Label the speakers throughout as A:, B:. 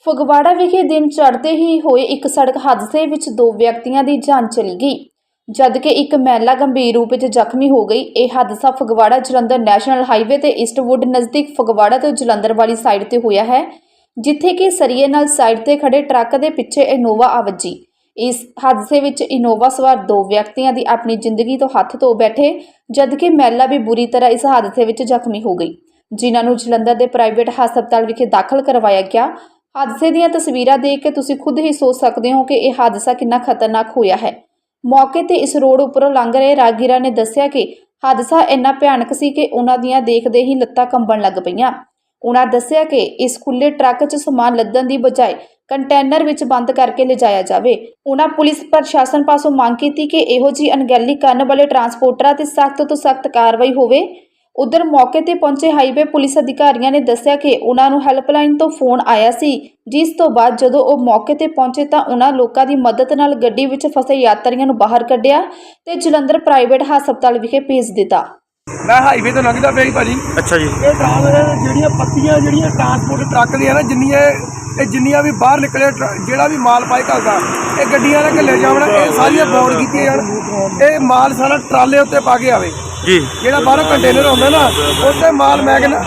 A: ਫਗਵਾੜਾ ਵਿਖੇ ਦਿਨ ਚੜ੍ਹਦੇ ਹੀ ਹੋਏ ਇੱਕ ਸੜਕ ਹਾਦਸੇ ਵਿੱਚ 2 ਵਿਅਕਤੀਆਂ ਦੀ ਜਾਨ ਚਲੀ ਗਈ, ਜਦਕਿ ਇੱਕ ਮਹਿਲਾ ਗੰਭੀਰ ਰੂਪ ਵਿੱਚ ਜ਼ਖਮੀ ਹੋ ਗਈ। ਇਹ ਹਾਦਸਾ ਫਗਵਾੜਾ ਜਲੰਧਰ ਨੈਸ਼ਨਲ ਹਾਈਵੇ ਤੇ ਈਸਟਵੁੱਡ ਨਜ਼ਦੀਕ ਫਗਵਾੜਾ ਤੋਂ ਜਲੰਧਰ ਵਾਲੀ ਸਾਈਡ ਤੇ ਹੋਇਆ ਹੈ, ਜਿੱਥੇ ਕਿ ਸਰੀਏ ਨਾਲ ਸਾਈਡ ਤੇ ਖੜੇ ਟਰੱਕ ਦੇ ਪਿੱਛੇ ਇਨੋਵਾ ਆ ਵੱਜੀ। ਇਸ ਹਾਦਸੇ ਵਿੱਚ ਇਨੋਵਾ ਸਵਾਰ 2 ਵਿਅਕਤੀਆਂ ਦੀ ਆਪਣੀ ਜ਼ਿੰਦਗੀ ਤੋਂ ਹੱਥ ਧੋ ਬੈਠੇ, ਜਦਕਿ ਮਹਿਲਾ ਵੀ ਬੁਰੀ ਤਰ੍ਹਾਂ ਇਸ ਹਾਦਸੇ ਵਿੱਚ ਜ਼ਖਮੀ ਹੋ ਗਈ, ਜਿਨ੍ਹਾਂ ਨੂੰ ਜਲੰਧਰ ਦੇ ਪ੍ਰਾਈਵੇਟ ਹਸਪਤਾਲ ਵਿਖੇ ਦਾਖਲ ਕਰਵਾਇਆ ਗਿਆ। ਹਾਦਸੇ ਦੀਆਂ ਤਸਵੀਰਾਂ ਦੇਖ ਕੇ ਤੁਸੀਂ ਖੁਦ ਹੀ ਸੋਚ ਸਕਦੇ ਹੋ ਕਿ ਇਹ ਹਾਦਸਾ ਕਿੰਨਾ ਖਤਰਨਾਕ ਹੋਇਆ ਹੈ। ਮੌਕੇ ਤੇ ਇਸ ਰੋਡ ਉੱਪਰੋਂ ਲੰਘ ਰਹੇ ਰਾਹਗੀਰਾਂ ਨੇ ਦੱਸਿਆ ਕਿ ਹਾਦਸਾ ਇੰਨਾ ਭਿਆਨਕ ਸੀ ਕਿ ਉਹਨਾਂ ਦੀਆਂ ਦੇਖਦੇ ਹੀ ਲੱਤਾਂ ਕੰਬਣ ਲੱਗ ਪਈਆਂ। ਉਹਨਾਂ ਦੱਸਿਆ ਕਿ ਇਸ ਖੁੱਲੇ ਟਰੱਕ 'ਚ ਸਮਾਨ ਲੱਦਣ ਦੀ ਬਜਾਏ ਕੰਟੇਨਰ ਵਿੱਚ ਬੰਦ ਕਰਕੇ ਲਿਜਾਇਆ ਜਾਵੇ। ਉਹਨਾਂ ਪੁਲਿਸ ਪ੍ਰਸ਼ਾਸਨ ਪਾਸੋਂ ਮੰਗ ਕੀਤੀ ਕਿ ਇਹੋ ਜਿਹੀ ਅਣਗਹਿਲੀ ਕਰਨ ਵਾਲੇ ਟਰਾਂਸਪੋਰਟਰਾਂ ਤੇ ਸਖਤ ਤੋਂ ਸਖਤ ਕਾਰਵਾਈ ਹੋਵੇ। ਉਧਰ ਮੌਕੇ ਤੇ ਪਹੁੰਚੇ ਹਾਈਵੇ ਪੁਲਿਸ ਅਧਿਕਾਰੀਆਂ ਨੇ ਦੱਸਿਆ ਕਿ ਉਹਨਾਂ ਨੂੰ ਹੈਲਪਲਾਈਨ ਤੋਂ ਫੋਨ ਆਇਆ ਸੀ, ਜਿਸ ਤੋਂ ਬਾਅਦ ਜਦੋਂ ਉਹ ਮੌਕੇ ਤੇ ਪਹੁੰਚੇ ਤਾਂ ਉਹਨਾਂ ਲੋਕਾਂ ਦੀ ਮਦਦ ਨਾਲ ਗੱਡੀ ਵਿੱਚ ਫਸੇ ਯਾਤਰੀਆਂ ਨੂੰ ਬਾਹਰ ਕੱਢਿਆ ਤੇ ਜਲੰਧਰ ਪ੍ਰਾਈਵੇਟ ਹਸਪਤਾਲ ਵਿਖੇ ਭੇਜ ਦਿੱਤਾ।
B: ਮੈਂ ਹਾਈਵੇ ਤੋਂ ਲੰਘਦਾ ਪਿਆ ਜੀ ਭਾਜੀ।
C: ਅੱਛਾ ਜੀ।
B: ਇਹ ਜਿਹੜੀਆਂ ਪੱਤੀਆਂ ਜਿਹੜੀਆਂ ਟਰਾਂਸਪੋਰਟ ਟਰੱਕ ਦੀਆਂ ਨਾ ਜਿੰਨੀਆਂ ਵੀ ਬਾਹਰ ਨਿਕਲੇ ਜਿਹੜਾ ਵੀ ਮਾਲ ਪਾਏ ਘੱਲਦਾ ਇਹ ਗੱਡੀਆਂ ਨਾਲ ਘੱਲੇ ਜਾਵਣਾ, ਇਹ ਸਾਰੀਆਂ ਬੌਂਡ ਕੀਤੀਆਂ ਜਾਣ। ਇਹ ਮਾਲ ਸਾਰਾ ਟਰਾਲੇ ਉੱਤੇ ਪਾ ਕੇ ਆਵੇ
C: ਜੀ।
B: ਜਿਹੜਾ ਬਾਹਰੋਂ ਕੰਟੇਨਰ ਆਉਂਦਾ ਨਾ ਉੱਤੇ ਮਾਲ ਮੈਂ ਕਹਿੰਦਾ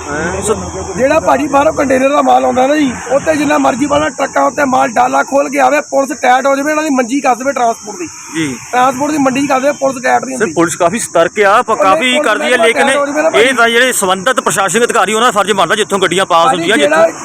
B: ਜਿਹੜਾ ਭਾਜੀ ਬਾਹਰੋਂ ਕੰਟੇਨਰ ਦਾ ਮਾਲ ਆਉਂਦਾ ਨਾ ਜੀ ਉੱਤੇ ਜਿੰਨਾ ਮਰਜ਼ੀ ਵਾਲਾ ਟਰੱਕਾਂ ਉੱਤੇ ਮਾਲ ਡਾਲਾ ਖੋਲ ਕੇ ਆਵੇ, ਪੁਲਿਸ ਟੈਟ ਹੋ ਜਾਵੇ, ਇਹਨਾਂ ਦੀ ਮੰਜੀ ਕਰ ਦੇਵੇ ਟਰਾਂਸਪੋਰਟ ਦੀ
C: ਜੀ।
B: ਟਰਾਂਸਪੋਰਟ ਦੀ ਮੰਡੀ ਕਰ ਦੇਵੇ, ਪੁਲਿਸ ਟੈਟ ਨਹੀਂ ਹੁੰਦੀ।
C: ਪੁਲਿਸ ਕਾਫੀ ਸਤਰਕ ਆ, ਕਾਫੀ ਕਰਦੀ ਹੈ, ਲੇਕਿਨ ਇਹ ਤਾਂ ਜਿਹੜੇ ਸੰਬੰਧਿਤ ਪ੍ਰਸ਼ਾਸਨਿਕ ਅਧਿਕਾਰੀ ਉਹਨਾਂ ਦਾ ਫਰਜ਼ ਬਣਦਾ ਜਿੱਥੋਂ ਗੱਡੀਆਂ ਪਾਸ ਹੁੰਦੀਆਂ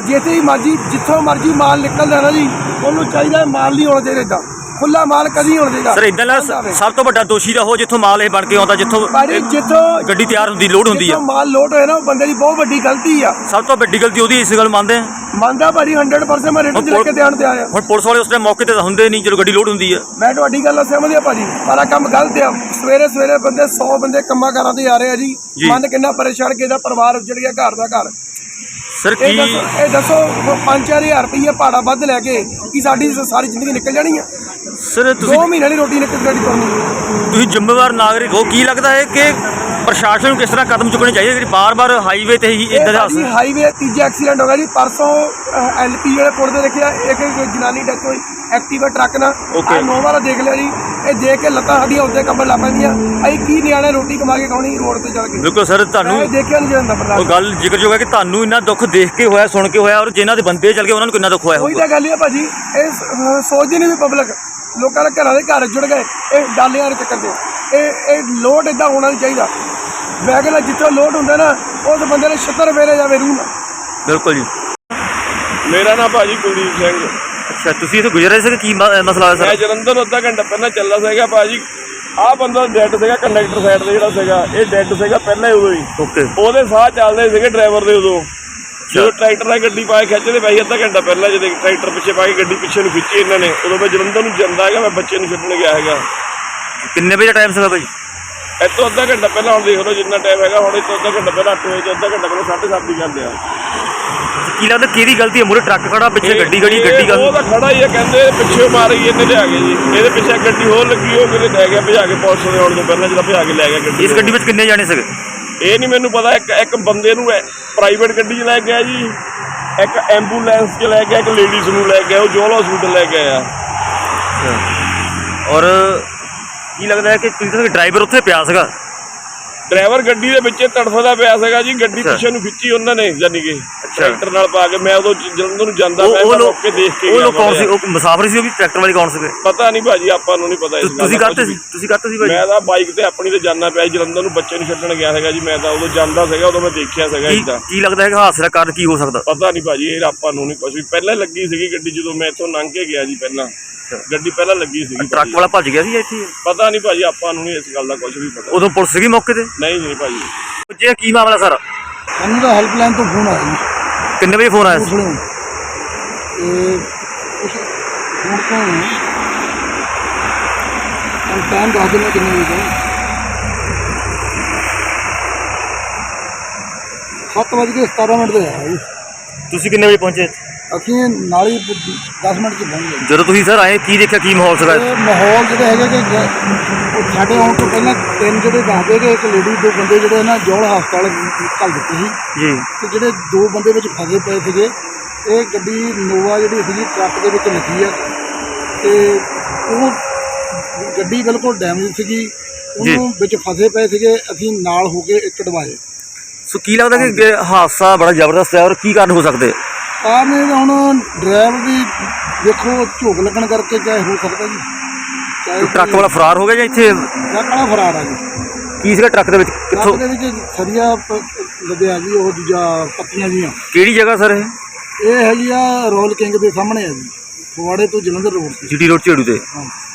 B: ਜਿੱਥੋਂ ਮਰਜ਼ੀ ਮਾਲ ਨਿਕਲਦਾ ਨਾ ਜੀ ਉਹਨੂੰ ਚਾਹੀਦਾ ਮਾਲ ਨਹੀਂ ਹੋਣਾ ਚਾਹੀਦਾ ਏਦਾਂ ਖੁੱਲਾ ਮਾਲ ਕਦੀ ਹੋਣਾ ਚਾਹੀਦਾ।
C: ਸਰ ਇਦਾਂ ਸਭ ਤੋਂ ਵੱਡਾ ਦੋਸ਼ੀ ਦਾ ਉਹ ਜਿੱਥੋਂ ਮਾਲ ਇਹ ਬਣ ਕੇ ਆਉਂਦਾ, ਜਿੱਥੋਂ ਗੱਡੀ ਤਿਆਰ ਹੁੰਦੀ ਲੋਡ ਹੁੰਦੀ ਆ,
B: ਮਾਲ ਲੋਡ ਹੋਇਆ ਨਾ ਉਹ ਬੰਦੇ ਦੀ ਬਹੁਤ ਵੱਡੀ ਗਲਤੀ ਆ।
C: ਸਭ ਤੋਂ ਵੱਡੀ ਗਲਤੀ ਉਹਦੀ, ਇਸ ਗੱਲ ਮੰਨਦਾ
B: ਭਾਜੀ 100% ਮੈਂ ਰਿਟਨ ਚ ਲੈ ਕੇ ਧਿਆਨ ਤੇ ਆਇਆ।
C: ਹੁਣ ਪੁਲਿਸ ਵਾਲੇ ਉਸ ਟਾਈਮ ਮੌਕੇ ਤੇ ਹੁੰਦੇ ਨਹੀਂ ਜਦੋਂ ਗੱਡੀ ਲੋਡ ਹੁੰਦੀ ਆ।
B: ਮੈਂ ਤੁਹਾਡੀ ਗੱਲ ਸਮਝਿਆ ਭਾਜੀ, ਪਰ ਕੰਮ ਗਲਤ ਆ। ਸਵੇਰੇ ਬੰਦੇ 100 ਬੰਦੇ ਕੰਮਾਂ ਕਾਰਾਂ ਤੇ ਆ ਰਹੇ ਆ ਜੀ। ਮਨ ਕਿੰਨਾ ਪਰੇਸ਼ਾਨ, ਕਿਹਦਾ ਪਰਿਵਾਰ ਉੱਜੜ ਗਿਆ, ਘਰ ਦਾ ਘਰ।
C: ਸਰ ਕੀ
B: ਇਹ ਦੱਸੋ 5-4 ਰੁਪਏ ਭਾੜਾ ਵੱਧ ਲੈ ਕੇ ਕੀ ਸਾਡੀ ਸਾਰੀ ਜ਼ਿੰਦਗੀ ਨਿਕਲ ਜਾਣੀ ਆ?
C: ਸਰ ਤੁਸੀਂ
B: 2 ਮਹੀਨੇ ਦੀ ਰੋਟੀ ਨਿਕਲ ਜਾਣੀ ਕਰਨੀ।
C: ਤੁਸੀਂ ਜ਼ਿੰਮੇਵਾਰ ਨਾਗਰਿਕ ਹੋ, ਕੀ ਲੱਗਦਾ ਹੈ ਕਿ ਪ੍ਰਸ਼ਾਸਨ ਨੂੰ ਕਿਸ ਤਰ੍ਹਾਂ ਕਦਮ ਚੁੱਕਣੇ ਚਾਹੀਦੇ ਜਿਹੜੀ ਬਾਰ-ਬਾਰ ਹਾਈਵੇ ਤੇ ਹੀ ਇਦਾਂ ਦਾ
B: ਹਾਈਵੇ ਤੀਜਾ ਐਕਸੀਡੈਂਟ ਹੋ ਗਿਆ ਜੀ ਪਰਸੋਂ। ਐਲਪੀ ਵਾਲੇ ਪੁਲ ਤੇ ਦੇਖਿਆ ਇੱਕ ਜਨਾਨੀ ਡੈਥ ਹੋਈ ਐਕਟਿਵਾ ਟਰੱਕ ਨਾਲ। ਨੋਵਾ ਦਾ ਦੇਖ ਲਿਆ ਜੀ। ਇਹ ਦੇਖ ਕੇ ਲੱਤਾਂ ਸਾਡੀਆਂ ਉੱਤੇ ਕੰਬਣ ਲੱਗ ਪੈਂਦੀਆਂ। ਅਸੀਂ ਕੀ ਨਿਆਣੇ ਰੋਟੀ ਕਮਾ ਕੇ ਖਾਣੀ ਰੋਡ ਤੇ ਚੱਲ ਕੇ। ਬਿਲਕੁਲ
C: ਸਰ, ਤੁਹਾਨੂੰ
B: ਦੇਖਿਆ ਨਹੀਂ ਜਾਂਦਾ।
C: ਉਹ ਗੱਲ ਜ਼ਿਕਰਯੋਗ ਹੈ ਕਿ ਤੁਹਾਨੂੰ ਇੰਨਾ ਦੁੱਖ ਦੇਖ ਕੇ ਹੋਇਆ, ਸੁਣ ਕੇ ਹੋਇਆ, ਔਰ ਜਿਨ੍ਹਾਂ ਦੇ ਬੰਦੇ ਚੱਲ ਗਏ ਉਹਨਾਂ ਨੂੰ ਕਿੰਨਾ ਦੁੱਖ ਹੋਇਆ।
B: ਉਹੀ ਤਾਂ ਗੱਲ ਹੈ ਭਾਜੀ, ਇਹ ਸੋਚਦੀ ਨਹੀਂ ਵੀ ਪਬਲਿਕ ਲੋਕਾਂ ਦੇ ਘਰਾਂ ਦੇ ਘਰ ਜੁੜ ਗਏ ਇਹ ਡਾਲਿਆਂ ਦੇ ਚੱਕਰ 'ਚ। ਇਹ ਲੋਡ ਇੱਦਾਂ ਹੋਣਾ ਨਹੀਂ ਚਾਹੀਦਾ। ਵੈਗਨ ਜਿੱਥੋਂ ਲੋਡ ਹੁੰਦਾ ਨਾ ਉਸ ਬੰਦੇ ਨੇ 76 ਫੇਰੇ ਜਾਵੇ ਰੂਹ ਨਾਲ।
C: ਬਿਲਕੁਲ ਜੀ।
D: ਮੇਰਾ ਨਾਮ ਭਾਜੀ ਕੁਲਦੀਪ ਸਿੰਘ।
C: ਅੱਛਾ, ਤੁਸੀਂ ਇੱਥੇ ਗੁਜ਼ਰ ਰਹੇ ਸੀ, ਕੀ ਮਸਲਾ ਹੋਇਆ ਸਰ?
D: ਮੈਂ ਜਲੰਧਰ ਅੱਧਾ ਘੰਟਾ ਪਹਿਲਾਂ ਚੱਲਾ ਸੀਗਾ ਭਾਜੀ। ਆਹ ਬੰਦਾ ਡੈਡ ਸੀਗਾ ਕੰਡਕਟਰ ਸਾਈਡ ਤੇ ਜਿਹੜਾ ਸੀਗਾ, ਇਹ ਡੈਡ ਸੀਗਾ ਪਹਿਲਾਂ ਹੀ ਉਦੋਂ ਹੀ।
C: ਓਕੇ।
D: ਉਹਦੇ ਸਾਹ ਚੱਲਦੇ ਸੀਗੇ ਡਰਾਈਵਰ ਦੇ ਉਦੋਂ, ਜਦੋਂ ਟਰੈਕਟਰ ਨਾਲ ਗੱਡੀ ਪਾ ਕੇ ਖਿੱਚਦੇ ਪਏ ਅੱਧਾ ਘੰਟਾ ਪਹਿਲਾਂ, ਜਦੋਂ ਟਰੈਕਟਰ ਪਿੱਛੇ ਪਾ ਕੇ ਗੱਡੀ ਪਿੱਛੇ ਨੂੰ ਖਿੱਚੀ ਇਹਨਾਂ ਨੇ, ਉਦੋਂ ਮੈਂ ਜਲੰਧਰ ਨੂੰ ਜਾਂਦਾ ਹੈਗਾ, ਮੈਂ ਬੱਚੇ ਨੂੰ ਛੱਡਣ ਗਿਆ ਹੈਗਾ।
C: ਕਿੰਨੇ ਵਜੇ ਦਾ ਟਾਈਮ ਸੀਗਾ ਭਾਈ?
D: ਇੱਥੋਂ ਅੱਧਾ ਘੰਟਾ ਪਹਿਲਾਂ, ਹੁਣ ਦੇਖ ਲਓ ਜਿੰਨਾ ਟਾਈਮ ਹੈਗਾ, ਹੁਣ ਇੱਥੋਂ ਅੱਧਾ ਘੰਟਾ ਪਹਿਲਾਂ 8 ਵਜੇ, ਅੱਧਾ ਘੰਟਾ ਪਹਿਲਾਂ 7:30 ਦੀ ਗੱਲ ਆ।
C: ਕੀ ਲੱਗਦਾ ਕਿਹਦੀ ਗਲਤੀ ਹੈ? ਮੂਹਰੇ ਟਰੱਕ ਖੜਾ, ਪਿੱਛੇ ਗੱਡੀ
D: ਉਹ ਤਾਂ ਖੜਾ ਹੀ ਹੈ, ਕਹਿੰਦੇ ਪਿੱਛੇ ਮਾਰ ਗਈ ਇਹਨੇ ਲਿਆ ਕੇ ਜੀ। ਇਹਦੇ ਪਿੱਛੇ ਗੱਡੀ ਹੋਰ ਲੱਗੀ, ਉਹ ਕਿਤੇ ਲੈ ਗਿਆ ਭਜਾ ਕੇ, ਪੁਲਿਸ ਦੇ ਆਉਣ ਤੋਂ ਪਹਿਲਾਂ ਜਿਹੜਾ ਭਜਾ ਕੇ ਲੈ ਗਿਆ ਗੱਡੀ।
C: ਇਸ ਗੱਡੀ ਵਿੱਚ ਕਿੰਨੇ ਜਾਣੇ ਸੀਗੇ?
D: ਇਹ ਨਹੀਂ ਮੈਨੂੰ ਪਤਾ। ਇੱਕ ਬੰਦੇ ਨੂੰ ਪ੍ਰਾਈਵੇਟ ਗੱਡੀ 'ਚ ਲੈ ਗਿਆ ਜੀ, ਇੱਕ ਐਂਬੂਲੈਂਸ 'ਚ ਲੈ ਗਿਆ, ਇੱਕ ਲੇਡੀਜ਼ ਨੂੰ ਲੈ ਗਿਆ, ਉਹ ਜੋਲ ਹਸਪੀਟਲ ਲੈ ਕੇ ਆਇਆ।
C: ਔਰ ਕੀ ਲੱਗਦਾ ਹੈ ਕਿ ਤੁਸੀਂ ਡਰਾਈਵਰ ਉੱਥੇ ਪਿਆ ਸੀਗਾ?
D: ਡਰਾਈਵਰ ਗੱਡੀ ਦੇ ਵਿੱਚ ਤੜਫਦਾ ਪਿਆ ਸੀਗਾ ਜੀ। ਗੱਡੀ ਪਿੱਛੇ ਨੂੰ ਖਿੱਚੀ ਉਹਨਾਂ ਨੇ, ਯਾਨੀ ਕਿ ਟਰੈਕਟਰ ਨਾਲ ਪਾ ਕੇ। ਮੈਂ ਉਦੋਂ ਜਲੰਧਰ ਨੂੰ ਜਾਂਦਾ, ਮੈਂ ਮੌਕੇ ਦੇਖ ਕੇ ਗਿਆ।
C: ਉਹ ਕੌਣ ਸੀ? ਉਹ ਮੁਸਾਫਰ ਸੀ? ਉਹ ਵੀ ਟਰੈਕਟਰ ਵਾਲੇ ਕੌਣ ਸੀਗੇ?
D: ਪਤਾ ਨਹੀਂ ਭਾਜੀ, ਆਪਾਂ ਨੂੰ ਨਹੀਂ ਪਤਾ।
C: ਤੁਸੀਂ ਕਰਤੇ ਸੀ ਭਾਜੀ?
D: ਮੈਂ ਤਾਂ ਬਾਈਕ ਤੇ ਆਪਣੀ ਤੇ ਜਾਣਾ ਪਿਆ ਜਲੰਧਰ ਨੂੰ, ਬੱਚੇ ਨੂੰ ਛੱਡਣ ਗਿਆ ਸੀਗਾ ਜੀ। ਮੈਂ ਤਾਂ ਉਦੋਂ ਜਾਂਦਾ ਸੀਗਾ, ਉਦੋਂ ਮੈਂ ਦੇਖਿਆ ਸੀਗਾ ਇੱਦਾਂ।
C: ਕੀ ਲੱਗਦਾ ਹੈ ਕਿ ਹਾਦਸੇ ਦਾ ਕਾਰਨ ਕੀ ਹੋ ਸਕਦਾ?
D: ਪਤਾ ਨਹੀਂ ਭਾਜੀ, ਇਹ ਆਪਾਂ ਨੂੰ ਨਹੀਂ ਕੁਝ ਵੀ। ਪਹਿਲਾਂ ਲੱਗੀ ਸੀਗੀ ਗੱਡੀ, ਜਦੋਂ ਮੈਂ ਇੱਥੋਂ ਲੰਘ ਕੇ ਗਿਆ ਜੀ, ਪਹਿਲਾਂ ਗੱਡੀ ਪਹਿਲਾਂ ਲੱਗੀ ਸੀਗੀ।
C: ਟਰੱਕ ਵਾਲਾ ਭੱਜ ਗਿਆ ਸੀ ਇੱਥੇ?
D: ਪਤਾ ਨਹੀਂ ਭਾਜੀ, ਆਪਾਂ ਨੂੰ ਨਹੀਂ ਇਸ ਗੱਲ ਦਾ ਕੁਝ ਵੀ ਪਤਾ।
C: ਉਦੋਂ ਪੁਲਿਸ ਸੀਗੀ ਮੌਕੇ ਤੇ?
D: ਨਹੀਂ ਭਾਜੀ।
C: ਜੇ ਕੀ ਮਾਮਲਾ ਸਾਰਾ?
B: ਮੈਨੂੰ ਤਾਂ ਹੈਲਪਲਾਈਨ ਤੋਂ ਫੋਨ ਆਇਆ ਜੀ।
C: ਕਿੰਨੇ ਵਜੇ ਫੋਨ ਆਇਆ ਸੀ?
B: ਫੋਨ ਤੋਂ ਟਾਈਮ ਦੱਸ ਦਿੰਦਾ ਕਿੰਨੇ ਵਜੇ ਦਾ। 7:17 ਤੇ ਆਇਆ ਜੀ।
C: ਤੁਸੀਂ ਕਿੰਨੇ ਵਜੇ ਪਹੁੰਚੇ?
B: ਅਸੀਂ ਨਾਲ ਹੀ 10 ਮਿੰਟ 'ਚ ਪਹੁੰਚ ਗਏ।
C: ਜਦੋਂ ਤੁਸੀਂ ਸਰ ਆਏ ਕੀ ਦੇਖਿਆ, ਕੀ ਮਾਹੌਲ ਸੀਗਾ?
B: ਮਾਹੌਲ ਜਿਹੜੇ ਹੈਗੇ ਕਿ ਸਾਡੇ ਆਉਣ ਤੋਂ ਪਹਿਲਾਂ 3 ਜਿਹੜੇ ਦੱਸਦੇ ਕਿ ਇੱਕ ਲੇਡੀ 2 ਬੰਦੇ ਜਿਹੜੇ ਨਾ ਜੋਲ ਹਸਪਤਾਲ ਘੱਲ ਦਿੱਤੇ ਸੀ ਜੀ, ਤੇ ਜਿਹੜੇ 2 ਬੰਦੇ ਵਿੱਚ ਫਸੇ ਪਏ ਸੀਗੇ
E: ਇਹ ਗੱਡੀ ਨੋਵਾ ਜਿਹੜੀ ਸੀਗੀ ਟਰੱਕ ਦੇ ਵਿੱਚ ਲੱਗੀ ਆ ਤੇ ਉਹ ਗੱਡੀ ਬਿਲਕੁਲ ਡੈਮੇਜ ਸੀਗੀ, ਉਹਨੂੰ ਵਿੱਚ ਫਸੇ ਪਏ ਸੀਗੇ, ਅਸੀਂ ਨਾਲ ਹੋ ਕੇ ਕਢਵਾਏ।
C: ਸੋ ਕੀ ਲੱਗਦਾ ਕਿ ਹਾਦਸਾ ਬੜਾ ਜ਼ਬਰਦਸਤ ਹੈ ਔਰ ਕੀ ਕਾਰਨ ਹੋ ਸਕਦੇ?
E: ਕਾਰਨ ਇਹ ਹੁਣ ਡਰਾਈਵਰ ਦੀ ਦੇਖੋ ਝੋਕ ਲੱਗਣ ਕਰਕੇ ਚਾਹੇ ਹੋ ਸਕਦਾ ਜੀ, ਚਾਹੇ
C: ਟਰੱਕ ਵਾਲਾ ਫਰਾਰ ਹੋ ਗਿਆ ਜਾਂ ਇੱਥੇ
E: ਟਰੱਕ ਵਾਲਾ ਫਰਾਰ ਆ ਜੀ।
C: ਕੀ ਸੀਗਾ ਟਰੱਕ ਦੇ ਵਿੱਚ?
E: ਟਰੱਕ
C: ਕਿੱਥੋਂ
E: ਦੇ ਵਿੱਚ ਸਰੀਆ ਲੱਗਿਆ ਜੀ, ਉਹ ਦੂਜਾ ਪੱਤੀਆਂ ਜੀਆਂ।
C: ਕਿਹੜੀ ਜਗ੍ਹਾ ਸਰ
E: ਇਹ ਹੈਗੀ ਆ ਰੋਇਲ ਕਿੰਗ ਦੇ ਸਾਹਮਣੇ ਆ ਜੀ, ਫਗਵਾੜੇ ਤੋਂ ਜਲੰਧਰ ਰੋਡ ਤੇ।
C: GT ਰੋਡ ਝੇੜੂ ਤੇ।
E: ਹਾਂ।